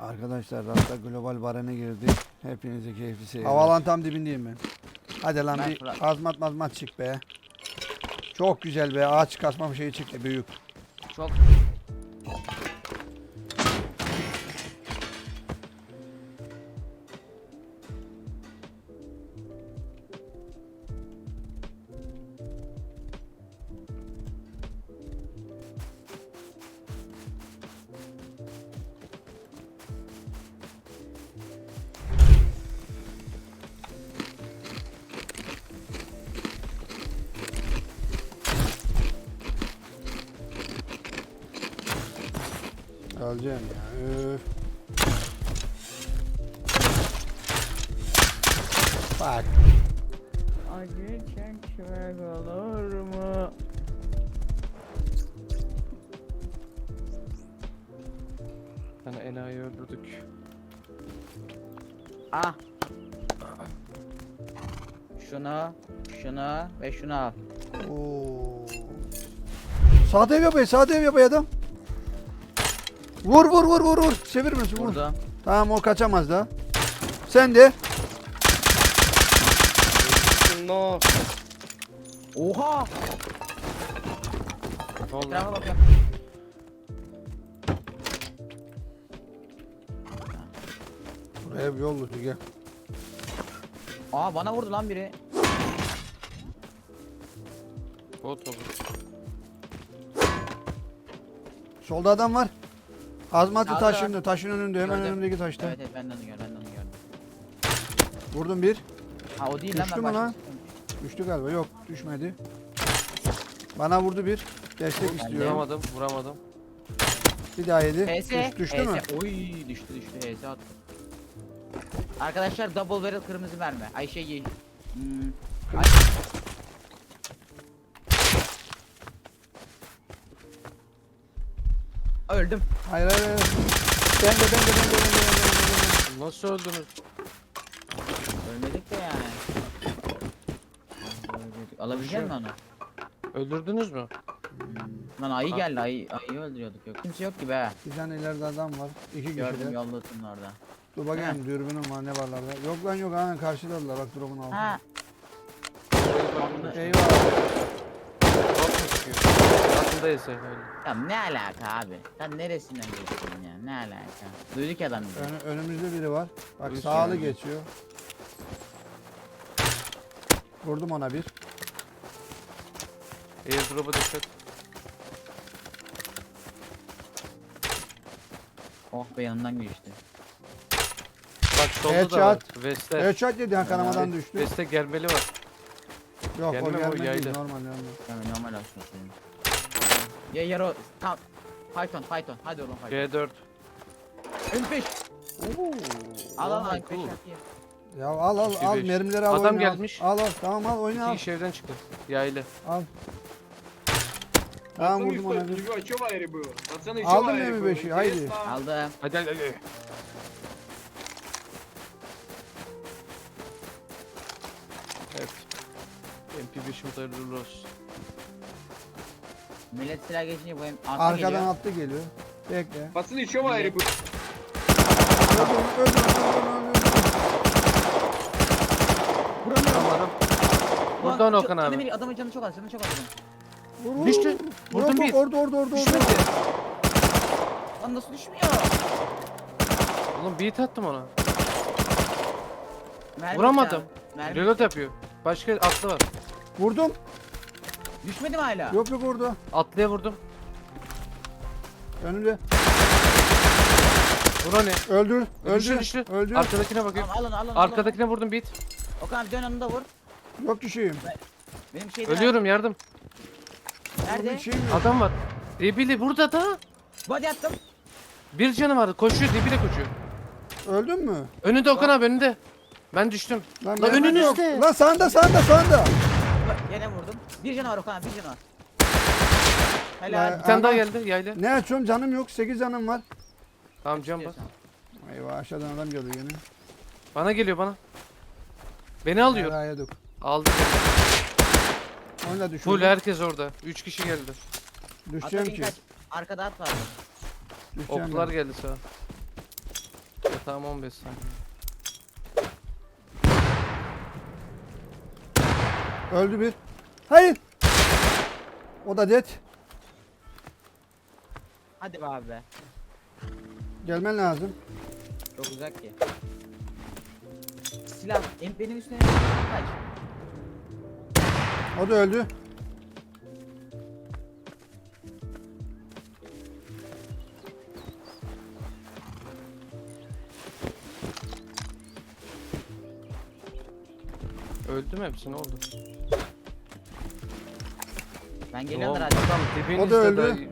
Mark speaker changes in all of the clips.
Speaker 1: Arkadaşlar Rasta Global Baren'e girdik. Hepinize keyifli seyirler.
Speaker 2: Havalan tam dibindeyim ben. Hadi lan
Speaker 3: Ben
Speaker 2: bir
Speaker 3: Fırat.
Speaker 2: azmat çık be. Çok güzel be. Ağaç kasma şeyi çıktı büyük.
Speaker 3: Çok
Speaker 2: Öleceğim ya. Üf. Bak.
Speaker 3: acı çekmek olur mu?
Speaker 4: Sana enayi öldürdük.
Speaker 3: Ah. Şunu ve şunu al.
Speaker 2: Oo. Sağda ev yapıyor. Sağda ev yapıyor adam. Vur. Çevirmesin vur.
Speaker 3: Burada.
Speaker 2: Tamam o kaçamaz da. Sen de.
Speaker 4: No.
Speaker 3: Oha!
Speaker 4: Ne oldu?
Speaker 3: Etrafa bakıyorum.
Speaker 2: Ev yollu gel.
Speaker 3: Aa bana vurdu lan biri.
Speaker 4: Bot oldu.
Speaker 2: Solda adam var. Azmatlı
Speaker 3: Sağda
Speaker 2: taş
Speaker 3: var.
Speaker 2: önünde. Taşın önünde. Hemen
Speaker 3: Gördüm.
Speaker 2: önümdeki taşta.
Speaker 3: Evet ben de onu gördüm.
Speaker 2: Vurdum bir.
Speaker 3: Ha o değil lan
Speaker 2: Düştü
Speaker 3: ben
Speaker 2: mü lan?
Speaker 3: başkasıyım.
Speaker 2: Düştü galiba. Yok düşmedi. Bana vurdu bir. Destek istiyorum.
Speaker 4: Vuramadım.
Speaker 2: Bir daha yedi.
Speaker 3: HS.
Speaker 2: Düştü mü?
Speaker 3: Oy düştü. HS attı. Arkadaşlar double barrel kırmızı mermi. Ayşe ye. Ay- Öldüm.
Speaker 2: Hayır. Ben de.
Speaker 4: Nasıl öldünüz?
Speaker 3: Ölmedik de yani. Alabilecek misin onu?
Speaker 4: Öldürdünüz mü?
Speaker 3: Lan ayı geldi. Ayıyı öldürüyorduk yok. Kimse yok gibi ha.
Speaker 2: Bir tane ileride adam var. İki
Speaker 3: Gördüm
Speaker 2: kişiler.
Speaker 3: yolda tutun orada.
Speaker 2: Dur bakayım dürbünüm var ne varlarda. Yok lan yok aynen karşıdadılar bak drop'un altında.
Speaker 3: Ha.
Speaker 2: Eyvah.
Speaker 4: Bot mu çıkıyor? Altındayız sen öyle.
Speaker 3: Ya ne alaka abi? Sen neresinden geçtin ya? Ne alaka? Duyduk adam bizi.
Speaker 2: Önümüzde biri var. Bak
Speaker 4: Üç
Speaker 2: sağlı
Speaker 4: yani.
Speaker 2: geçiyor. Vurdum ona bir.
Speaker 4: Airdrop'a dikkat.
Speaker 3: Oh be yanından geçti.
Speaker 4: Bak solda da var.
Speaker 2: Headshot.
Speaker 4: Veste.
Speaker 2: Headshot yedi ha kanamadan düştü.
Speaker 4: Veste germeli var.
Speaker 2: Yok
Speaker 4: gelme
Speaker 2: o
Speaker 4: mi, o
Speaker 2: gelmedi değil
Speaker 4: yaylı.
Speaker 2: normal.
Speaker 3: Yani normal aslında senin. Ya yaro tam. Python. Hadi oğlum Python.
Speaker 4: C4.
Speaker 3: Önpeş. Al
Speaker 4: Oh my
Speaker 3: önpeş
Speaker 4: God.
Speaker 3: yapayım.
Speaker 2: Ya al
Speaker 4: İki, beş.
Speaker 2: mermileri al
Speaker 4: Adam
Speaker 2: oyna, al.
Speaker 4: gelmiş.
Speaker 2: Al tamam al oyna al.
Speaker 4: İki iş evden çıktı. Yaylı.
Speaker 2: Al. Tamam
Speaker 5: Пацаны,
Speaker 2: vurdum ona
Speaker 5: что,
Speaker 2: bir.
Speaker 5: что в аэре было? Пацаны, что
Speaker 2: Aldın
Speaker 5: в
Speaker 2: mı
Speaker 5: аэре было?
Speaker 2: M5'i? Haydi.
Speaker 5: Интересно?
Speaker 3: Aldım.
Speaker 4: Hadi. Evet. MP5'imiz hayırlı olsun.
Speaker 3: Millet silah geçince bu hem altta
Speaker 2: Arkadan
Speaker 3: geliyor.
Speaker 2: attı geliyor. Bekle.
Speaker 5: Пацаны, что в аэре было?
Speaker 2: Öldür.
Speaker 4: Vuramadım.
Speaker 3: Ulan,
Speaker 4: Buradan Okan
Speaker 3: canı
Speaker 4: abi.
Speaker 3: bir- Adamın canı çok az. Canı çok az adamın.
Speaker 2: Vur.
Speaker 4: Düştü. Vurdum bir.
Speaker 2: Orada.
Speaker 4: Düşmedi.
Speaker 3: Lan nasıl düşmüyor?
Speaker 4: Oğlum beat attım ona.
Speaker 3: Mermi
Speaker 4: Vuramadım.
Speaker 3: bitti abi, mermi
Speaker 4: Reload
Speaker 3: bitti.
Speaker 4: yapıyor. Başka atlı var.
Speaker 2: Vurdum.
Speaker 3: Düşmedi mi hala?
Speaker 2: Yok orada.
Speaker 4: Atlıya vurdum.
Speaker 2: Önümde.
Speaker 4: Vur onu.
Speaker 2: Öldür.
Speaker 4: Düştü.
Speaker 2: Öldür.
Speaker 4: Arkadakine bakayım.
Speaker 3: Tamam alın.
Speaker 4: Arkadakine vurdum beat.
Speaker 3: Okan abi dön onu da vur.
Speaker 2: Yok düşeyim.
Speaker 3: Benim şeyden
Speaker 4: Ölüyorum yardım.
Speaker 3: Nerede?
Speaker 2: Düşeyim yok.
Speaker 4: Adam var. Debili burada da.
Speaker 3: Body attım.
Speaker 4: Bir canı vardı. Koşuyor debile koşuyor.
Speaker 2: Öldün mü?
Speaker 4: Önünde Okan abi önünde. Ben düştüm.
Speaker 2: Lan
Speaker 4: Lan
Speaker 2: mermi
Speaker 4: önünüzde.
Speaker 2: yok. Lan sağında.
Speaker 3: Yine vurdum. Bir canı var Okan abi bir canı var.
Speaker 2: Ya,
Speaker 3: Helal.
Speaker 4: Bir tane daha
Speaker 2: ama-
Speaker 4: geldi yaylı.
Speaker 2: Ne açıyorum canım yok. 8 canım var.
Speaker 4: Tamam can bas.
Speaker 2: Eyvah aşağıdan adam geldi yine.
Speaker 4: Bana geliyor bana. Beni alıyor.
Speaker 2: Helal yedik.
Speaker 4: Aldı.
Speaker 2: Onu da düşürdüm.
Speaker 4: Full herkes orada. 3 kişi geldi.
Speaker 2: Düşeceğim
Speaker 3: Ata
Speaker 2: ki.
Speaker 3: kaç. Arkada at var.
Speaker 2: Düşeceğim
Speaker 4: Oklar
Speaker 2: ben.
Speaker 4: geldi sağa. Tamam 15 saniye.
Speaker 2: Öldü bir. Hayır. O da dead.
Speaker 3: Hadi be abi be.
Speaker 2: Gelmen lazım.
Speaker 3: Çok uzak ki. Silah benim üstüne kaç.
Speaker 2: O da öldü.
Speaker 4: Öldü mü hepsi, ne oldu?
Speaker 3: Ben geliyorum
Speaker 4: Tamam,
Speaker 3: hadi.
Speaker 4: adam dibinizde
Speaker 2: O da öldü.
Speaker 4: dayı.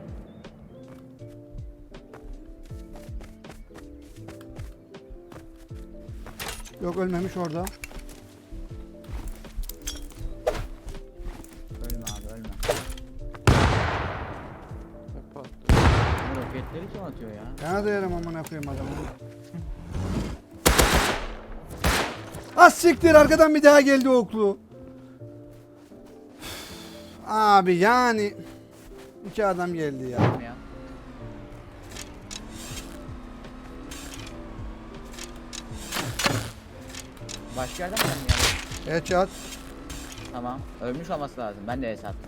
Speaker 2: Yok ölmemiş orada.
Speaker 3: Ölme abi ölme.
Speaker 4: Hep attı.
Speaker 3: Bu roketleri kim atıyor ya?
Speaker 2: Ben de yerim amına koyayım adamı. Az siktir, arkadan bir daha geldi oklu. Abi yani 2 adam geldi ya.
Speaker 3: Ölme ya. Başka yerden mi gelmiyor?
Speaker 2: Headshot.
Speaker 3: Tamam. Ölmüş olması lazım. Ben de hesap.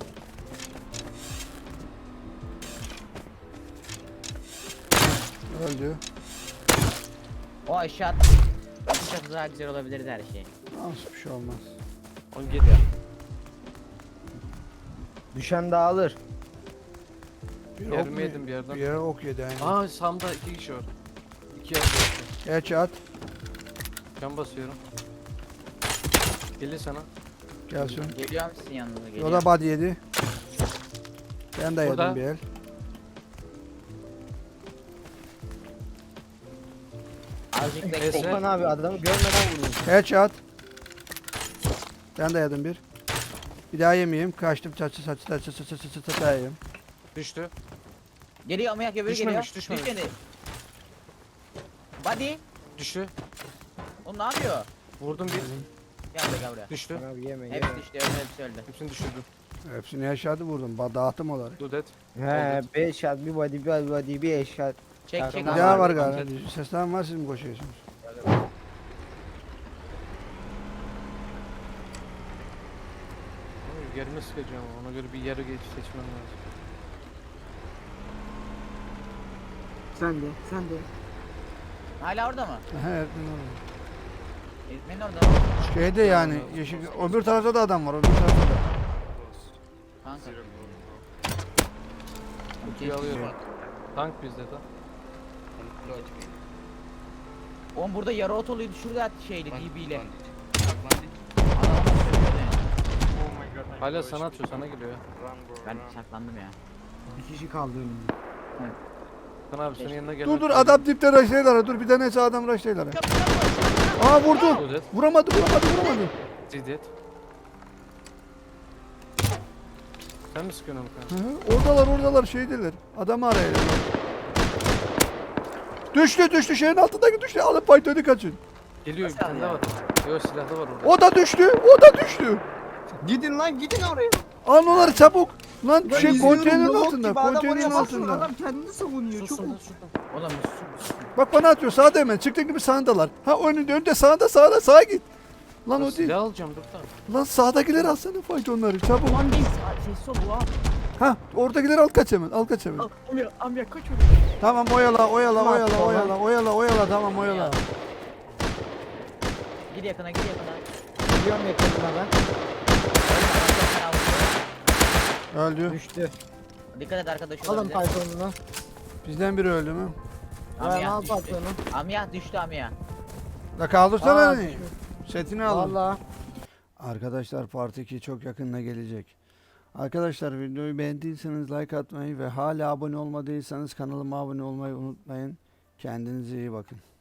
Speaker 2: Öldü.
Speaker 3: O aşağı atış çok daha güzel olabilirdi her şey.
Speaker 2: Nasıl bir şey olmaz.
Speaker 4: 17 ya.
Speaker 6: Düşen dağılır.
Speaker 2: Bir
Speaker 4: Yerimi
Speaker 2: ok mu-
Speaker 4: yedim bir yerden.
Speaker 2: Bir yere ok yedi aynen.
Speaker 4: Aa Sam'da 2 kişi var. 2 yerde.
Speaker 2: Headshot.
Speaker 4: Can basıyorum. Gelir sana.
Speaker 2: Gelsin.
Speaker 3: Geliyor musun yanınıza?
Speaker 2: O
Speaker 3: Geliyor.
Speaker 2: da body yedi. Ben de
Speaker 4: Burada.
Speaker 2: yedim bir el.
Speaker 3: Azıcık
Speaker 4: Neyse.
Speaker 3: bekle.
Speaker 6: Okan abi adamı görmeden vurdum.
Speaker 2: Headshot. Ben de yedim bir. Bir daha yemeyeyim. Kaçtım çatı daha yiyeyim.
Speaker 4: Düştü.
Speaker 3: Geliyor ama öbürü
Speaker 4: Düşmemiş,
Speaker 3: geliyor.
Speaker 4: düşmemiş.
Speaker 3: Düşmedi. Body.
Speaker 4: Düştü.
Speaker 3: O ne yapıyor?
Speaker 4: Vurdum bir.
Speaker 3: Gel buraya gel buraya.
Speaker 4: Düştü.
Speaker 6: Okan abi yeme
Speaker 3: Hepsi
Speaker 6: yeme.
Speaker 3: düştü. Hepsi öldü.
Speaker 4: Hepsini düşürdüm.
Speaker 2: Hepsini headshot'ı vurdum. Dağıttım olarak.
Speaker 4: Dudet.
Speaker 6: He 5 shot bir body bir body bir eşat.
Speaker 3: Çek
Speaker 6: Tamam.
Speaker 3: çek.
Speaker 2: Bir
Speaker 3: abi.
Speaker 2: daha var
Speaker 4: abi,
Speaker 2: galiba.
Speaker 4: anket.
Speaker 2: Seslen var, siz mi koşuyorsunuz?
Speaker 4: Yerime sıkacağım, ona göre bir yere geç seçmem lazım.
Speaker 5: Sen de.
Speaker 3: Hala orada mı?
Speaker 2: He, Erdin orada.
Speaker 3: Eğitmenin orada.
Speaker 2: Şeyde yani yeşil, öbür tarafta da adam var, öbür tarafta da.
Speaker 3: Kanka.
Speaker 4: Kutuyu alıyorum. Tank bizde de.
Speaker 3: Oğlum burada yarı otoluyu düşürdü şeyle DB ile.
Speaker 4: Hala sana atıyor, sana geliyor ya.
Speaker 3: Ben saklandım ya.
Speaker 5: Bir kişi kaldı önümde.
Speaker 4: Kan abi senin yanına gelen.
Speaker 2: Dur adam dipte rushlaylar, dur bir tanesi adam rushlaylar. Aa vurdu.
Speaker 4: Dudet.
Speaker 2: Vuramadı.
Speaker 4: Zidet. Sen mi sıkıyorsun onu kan?
Speaker 2: Oradalar şeydeler. Adamı arayın. Düştü şeyin altındaki düştü. Alıp Python'u kaçın.
Speaker 4: Geliyor bir tane daha var. Yok silahlı var orada.
Speaker 2: O da düştü.
Speaker 5: Gidin lan gidin oraya.
Speaker 2: Al onları çabuk. Lan şey
Speaker 5: İzliyorum,
Speaker 2: konteynerin
Speaker 5: robot
Speaker 2: altında.
Speaker 5: gibi adam
Speaker 2: Konteynerin
Speaker 5: oraya basıyor,
Speaker 2: altında.
Speaker 5: Adam kendini savunuyor. Çok
Speaker 4: Susun susun.
Speaker 3: Oğlum sus.
Speaker 2: Bak bana atıyor sağda hemen. Çıktığın gibi sağındalar. Ha önünde sağda sağa git. Lan o değil.
Speaker 4: Silah alacağım dur tamam.
Speaker 2: Lan sağdakileri alsana Python'ları çabuk.
Speaker 3: Aman değil. Ses ol bu abi.
Speaker 2: Ha oradakileri al kaç hemen.
Speaker 3: Amya kaç oraya.
Speaker 2: Tamam oyala tamam oyala.
Speaker 3: Gir yakına gir yakına.
Speaker 6: Geliyorum yakınına ben.
Speaker 2: Öldü.
Speaker 6: Düştü.
Speaker 3: Dikkat et arkadaş
Speaker 6: Alın
Speaker 3: olabilir.
Speaker 6: Python'unu.
Speaker 2: Bizden biri öldü mü?
Speaker 6: Ben
Speaker 3: Amya
Speaker 6: al
Speaker 3: düştü.
Speaker 6: Python'unu.
Speaker 3: Amya düştü Amya.
Speaker 2: La kaldırsana
Speaker 6: Aa,
Speaker 2: beni. Setini alın.
Speaker 6: Valla.
Speaker 2: Arkadaşlar Part 2 çok yakında gelecek. Arkadaşlar videoyu beğendiyseniz like atmayı ve hala abone olmadıysanız kanalıma abone olmayı unutmayın. Kendinize iyi bakın.